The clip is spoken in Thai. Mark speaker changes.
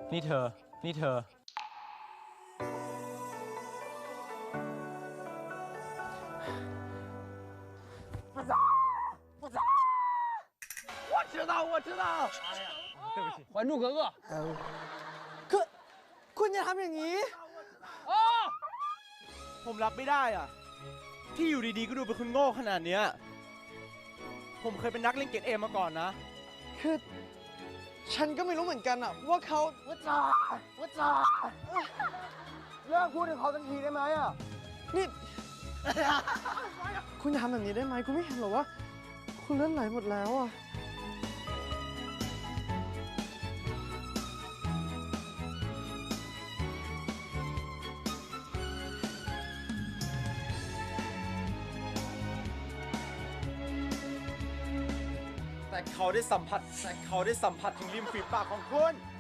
Speaker 1: นี่เธอ นี่เธอ我知道，我知道。对不起，《还珠格格》。
Speaker 2: คุณอย่าทำอย่างนี้
Speaker 1: ผมรับไม่ได้อ่ะ ที่อยู่ดีๆก็ดูเป็นคนโง่ขนาดเนี้ยผมเคยเป็นนักเล่นเกมเอมาก่อนนะ
Speaker 2: คือ ฉันก็ไม่รู้เหมือนกันอะว่าเขาว่าจ่าเลิกพูดถึงเขาสักทีได้ไหมอะนี่ คุณอย่าทำแบบนี้ได้ไหมคุณไม่เห็นหรอว่า คุณเลือดไหลหมดแล้วอะ
Speaker 1: แต่เขาได้สัมผัสถึงริมฝีปากของคุณ